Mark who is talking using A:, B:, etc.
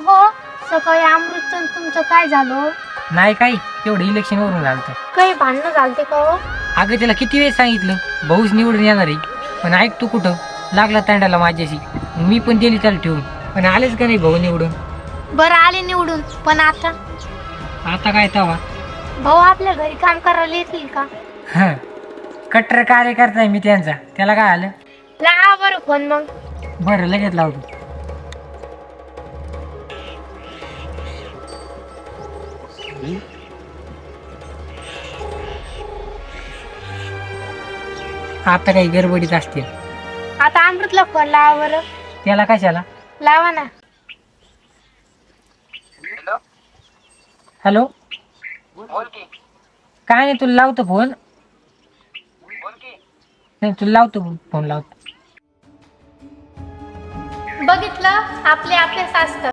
A: हो, सकाळी अमृतचं तुमचं काय झालं?
B: नाही काही तेवढं इलेक्शन वरून झालं तर.
A: काही भांडणं झालते का हो?
B: अगं त्याला किती वेळ सांगितलं भाऊच निवडून येणार आहे, पण ऐक तू कुठं लागला तांडाला माझ्याशी. मी पण दिली त्याला ठेवून, पण आलेच का नाही भाऊ निवडून.
A: बरं आले निवडून, पण आता
B: आता काय तवा.
A: भाऊ आपल्या घरी काम करायला येतील का?
B: हं, कट्टर कार्यकर्ता आहे मी त्यांचा, त्याला काय आलं.
A: लावा बरं फोन मग.
B: बरं लगेच लावतो. आता काही गडबडीत असतील.
A: आता अमृतला फोन लावा बरं.
B: त्याला कशाला.
A: लावा ना.
B: हॅलो, काय नाही तुला लावतो फोन. नाही तुला लावतो फोन लावतो.
A: बघितलं, आपले आपलेच असतात.